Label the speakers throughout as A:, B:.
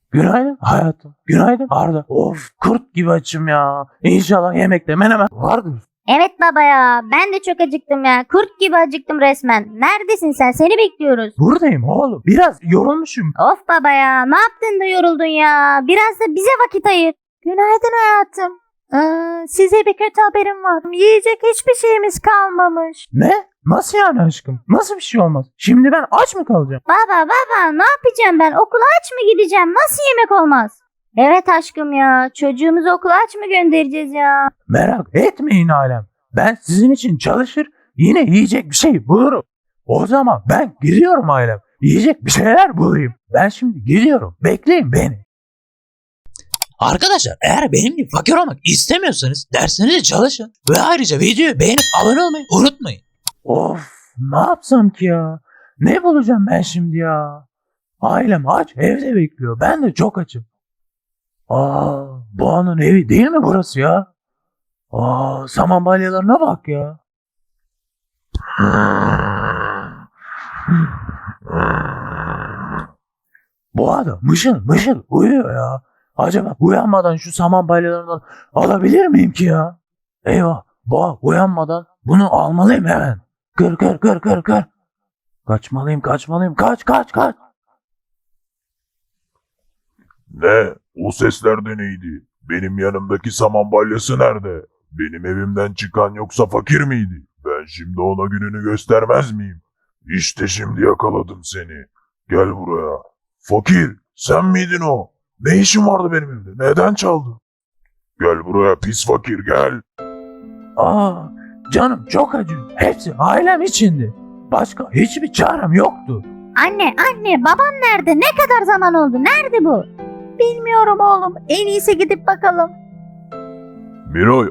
A: Günaydın hayatım. Günaydın Arda. Of kurt gibi açım ya. İnşallah yemekte menemen vardır.
B: Evet baba ya, ben de çok acıktım ya. Kurt gibi acıktım resmen. Neredesin sen? Seni bekliyoruz.
A: Buradayım oğlum. Biraz yorulmuşum.
B: Of baba ya, ne yaptın da yoruldun ya? Biraz da bize vakit ayır.
C: Günaydın hayatım. Size bir kötü haberim var. Yiyecek hiçbir şeyimiz kalmamış.
A: Ne? Nasıl yani aşkım? Nasıl bir şey olmaz? Şimdi ben aç mı kalacağım?
B: Baba ne yapacağım ben? Okula aç mı gideceğim? Nasıl yemek olmaz? Evet aşkım ya, çocuğumuzu okula aç mı göndereceğiz ya?
A: Merak etmeyin alem. Ben sizin için çalışır yine yiyecek bir şey bulurum. O zaman ben gidiyorum ailem. Yiyecek bir şeyler bulayım. Ben şimdi gidiyorum. Bekleyin beni. Arkadaşlar eğer benim gibi fakir olmak istemiyorsanız derslerinize çalışın. Ve ayrıca videoyu beğenip abone olmayı unutmayın. Of ne yapsam ki ya? Ne bulacağım ben şimdi ya? Ailem aç evde bekliyor. Ben de çok açım. Boğanın evi değil mi burası ya? Saman balyalarına bak ya. Boğa da mışıl mışıl uyuyor ya. Acaba uyanmadan şu saman balyalarından alabilir miyim ki ya? Eyvah, boğa uyanmadan bunu almalıyım hemen. Kır. Kaçmalıyım. Kaç.
D: Ne? O sesler de neydi? Benim yanımdaki saman balyası nerede? Benim evimden çıkan yoksa fakir miydi? Ben şimdi ona gününü göstermez miyim? İşte şimdi yakaladım seni. Gel buraya. Fakir, sen miydin o? Ne işin vardı benim evde? Neden çaldın? Gel buraya pis fakir gel.
A: Canım çok acıyor. Hepsi ailem içindi. Başka hiçbir çarem yoktu.
B: Anne, babam nerede? Ne kadar zaman oldu? Nerede bu?
C: Bilmiyorum oğlum. En iyisi gidip bakalım.
D: Miray,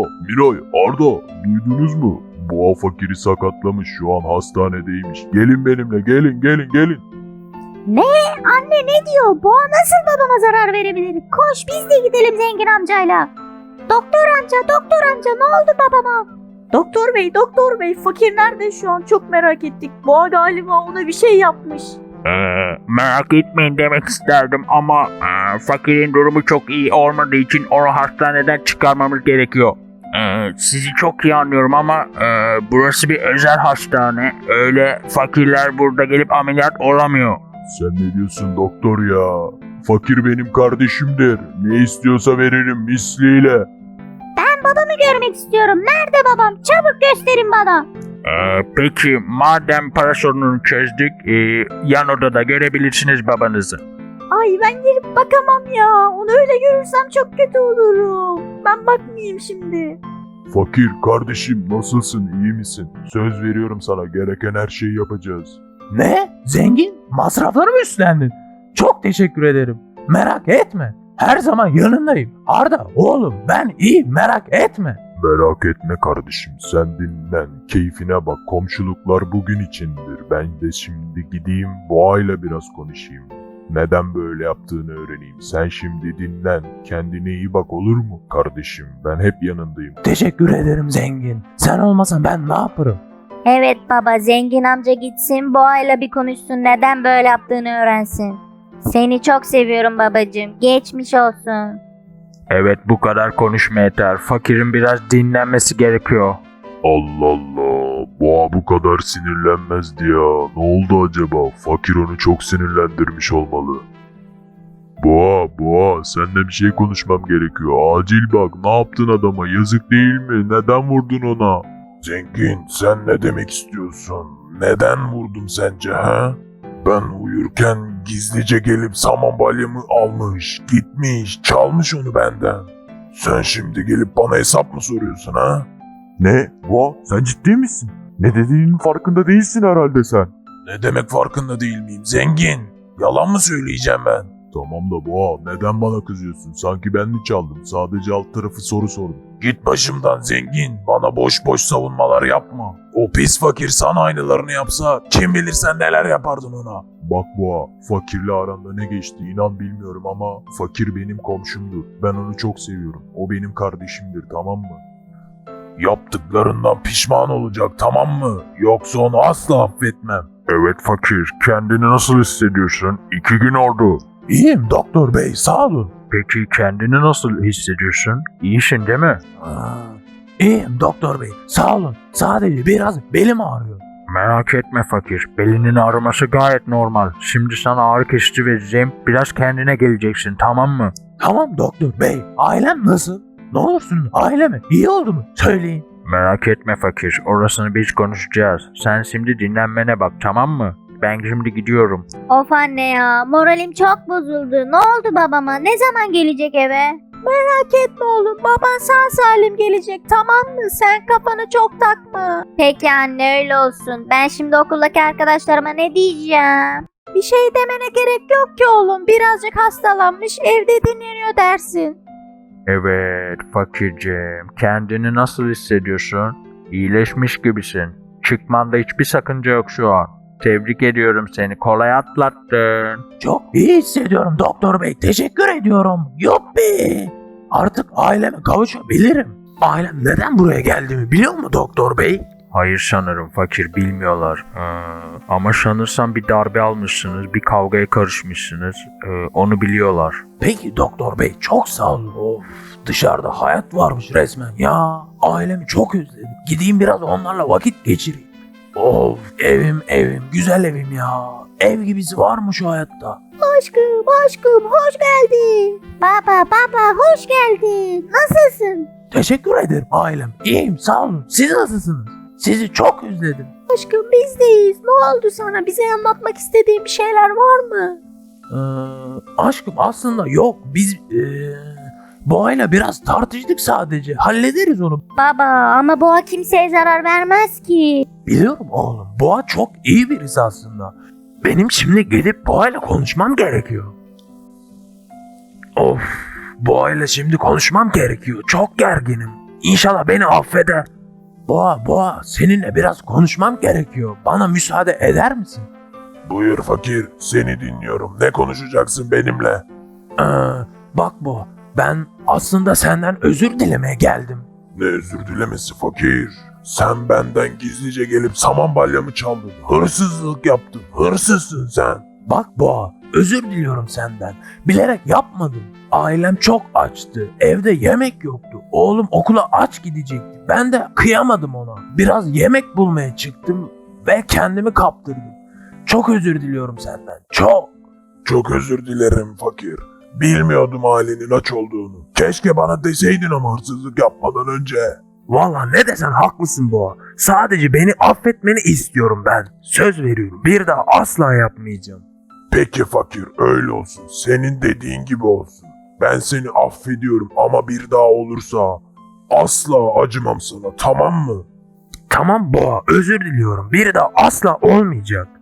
D: Arda, duydunuz mu? Boğa fakiri sakatlamış, şu an hastanedeymiş. Gelin benimle, gelin.
B: Anne ne diyor? Boğa nasıl babama zarar verebilir? Koş biz de gidelim zengin amcayla. Doktor amca ne oldu babama?
C: Doktor bey, fakir nerede şu an? Çok merak ettik. Boğa galiba ona bir şey yapmış.
E: Merak etmeyin demek isterdim ama fakirin durumu çok iyi olmadığı için onu hastaneden çıkarmamız gerekiyor. Sizi çok iyi anlıyorum ama burası bir özel hastane. Öyle fakirler burada gelip ameliyat olamıyor.
D: Sen ne diyorsun doktor ya? Fakir benim kardeşimdir. Ne istiyorsa veririm misliyle.
B: Ben babamı görmek istiyorum. Nerede babam? Çabuk gösterin bana.
E: Peki madem para sorununu çözdük, yan odada görebilirsiniz babanızı.
C: Ay ben girip bakamam ya. Onu öyle görürsem çok kötü olurum. Ben bakmayayım şimdi.
D: Fakir kardeşim nasılsın, iyi misin? Söz veriyorum sana, gereken her şeyi yapacağız.
A: Ne? Zengin? Masrafları mı üstlendin? Çok teşekkür ederim. Merak etme. Her zaman yanındayım. Arda oğlum ben iyi merak etme.
D: Merak etme kardeşim, sen dinlen, keyfine bak, komşuluklar bugün içindir. Ben de şimdi gideyim Boğa'yla biraz konuşayım. Neden böyle yaptığını öğreneyim. Sen şimdi dinlen, kendine iyi bak olur mu kardeşim? Ben hep yanındayım.
A: Teşekkür ederim zengin. Sen olmasan ben ne yaparım?
B: Evet baba, zengin amca gitsin Boğa'yla bir konuşsun, neden böyle yaptığını öğrensin. Seni çok seviyorum babacığım. Geçmiş olsun.
E: Evet bu kadar konuşma yeter. Fakirin biraz dinlenmesi gerekiyor.
D: Allah Allah, Boğa bu kadar sinirlenmezdi ya. Ne oldu acaba? Fakir onu çok sinirlendirmiş olmalı. Boğa, seninle bir şey konuşmam gerekiyor. Acil bak, ne yaptın adama? Yazık değil mi? Neden vurdun ona? Zengin, sen ne demek istiyorsun? Neden vurdum sence ha? Ben uyurken gizlice gelip saman balyamı almış, gitmiş, çalmış onu benden. Sen şimdi gelip bana hesap mı soruyorsun ha? Ne? Boğa, sen ciddi misin? Ne dediğinin farkında değilsin herhalde sen. Ne demek farkında değil miyim? Zengin. Yalan mı söyleyeceğim ben? Tamam da Boğa, neden bana kızıyorsun? Sanki ben mi çaldım? Sadece alt tarafı soru sordum. Git başımdan zengin. Bana boş boş savunmalar yapma. O pis fakir sana aynılarını yapsa kim bilir sen neler yapardın ona. Bak Boğa, fakirle aranda ne geçti inan bilmiyorum ama fakir benim komşumdur. Ben onu çok seviyorum. O benim kardeşimdir, tamam mı? Yaptıklarından pişman olacak, tamam mı? Yoksa onu asla affetmem. Evet fakir, kendini nasıl hissediyorsun? 2 gün oldu. İyiyim doktor bey, sağ olun.
E: Peki kendini nasıl hissediyorsun? İyisin değil mi?
A: İyiyim doktor bey. Sağ olun. Sadece biraz belim ağrıyor.
E: Merak etme fakir. Belinin ağrıması gayet normal. Şimdi sana ağrı kesici vereceğim. Biraz kendine geleceksin, tamam mı?
A: Tamam doktor bey. Ailem nasıl? Ne olursun aileme iyi oldu mu? Söyleyin.
E: Merak etme fakir. Orasını biz konuşacağız. Sen şimdi dinlenmene bak, tamam mı? Ben şimdi gidiyorum.
B: Of anne ya, moralim çok bozuldu. Ne oldu babama? Ne zaman gelecek eve?
C: Merak etme oğlum, baban sağ salim gelecek, tamam mı? Sen kafanı çok takma.
B: Peki anne, öyle olsun. Ben şimdi okuldaki arkadaşlarıma ne diyeceğim?
C: Bir şey demene gerek yok ki oğlum. Birazcık hastalanmış, evde dinleniyor dersin.
E: Evet fakirciğim. Kendini nasıl hissediyorsun? İyileşmiş gibisin. Çıkmanda hiçbir sakınca yok şu an. Tebrik ediyorum seni. Kolay atlattın.
A: Çok iyi hissediyorum doktor bey. Teşekkür ediyorum. Yuppi. Artık aileme kavuşabilirim. Ailem neden buraya geldiğimi biliyor mu doktor bey?
E: Hayır sanırım fakir, bilmiyorlar. Ama sanırsam bir darbe almışsınız, bir kavgaya karışmışsınız. Onu biliyorlar.
A: Peki doktor bey, çok sağ olun. Of, dışarıda hayat varmış resmen ya. Ailemi çok özledim. Gideyim biraz onlarla vakit geçireyim. Of, evim güzel evim ya. Ev gibisi var mı şu hayatta?
C: Aşkım, hoş geldin.
B: Baba, hoş geldin. Nasılsın?
A: Teşekkür ederim ailem. İyiyim sağ olun. Siz nasılsınız? Sizi çok özledim.
C: Aşkım, bizdeyiz. Ne oldu sana? Bize anlatmak istediğin bir şeyler var mı?
A: Aşkım aslında yok. Biz Boğa'yla biraz tartıştık sadece. Hallederiz onu.
B: Baba, ama boğa kimseye zarar vermez ki.
A: Biliyorum oğlum. Boğa çok iyi birisi aslında. Benim şimdi gidip Boğa'yla konuşmam gerekiyor. Of. Boğa'yla şimdi konuşmam gerekiyor. Çok gerginim. İnşallah beni affeder. Boğa seninle biraz konuşmam gerekiyor. Bana müsaade eder misin?
D: Buyur fakir, seni dinliyorum. Ne konuşacaksın benimle?
A: Bak Boğa, ben aslında senden özür dilemeye geldim.
D: Ne özür dilemesi fakir? Sen benden gizlice gelip saman balyamı çaldın. Hırsızlık yaptın. Hırsızsın sen.
A: Bak Boğa, özür diliyorum senden. Bilerek yapmadım. Ailem çok açtı. Evde yemek yoktu. Oğlum okula aç gidecekti. Ben de kıyamadım ona. Biraz yemek bulmaya çıktım ve kendimi kaptırdım. Çok özür diliyorum senden. Çok.
D: Çok özür dilerim fakir. Bilmiyordum ailenin aç olduğunu. Keşke bana deseydin ama hırsızlık yapmadan önce.
A: Valla ne desen haklısın Boğa. Sadece beni affetmeni istiyorum ben. Söz veriyorum. Bir daha asla yapmayacağım.
D: Peki fakir, öyle olsun. Senin dediğin gibi olsun. Ben seni affediyorum ama bir daha olursa asla acımam sana, tamam mı?
A: Tamam Boğa, özür diliyorum. Bir daha asla olmayacak.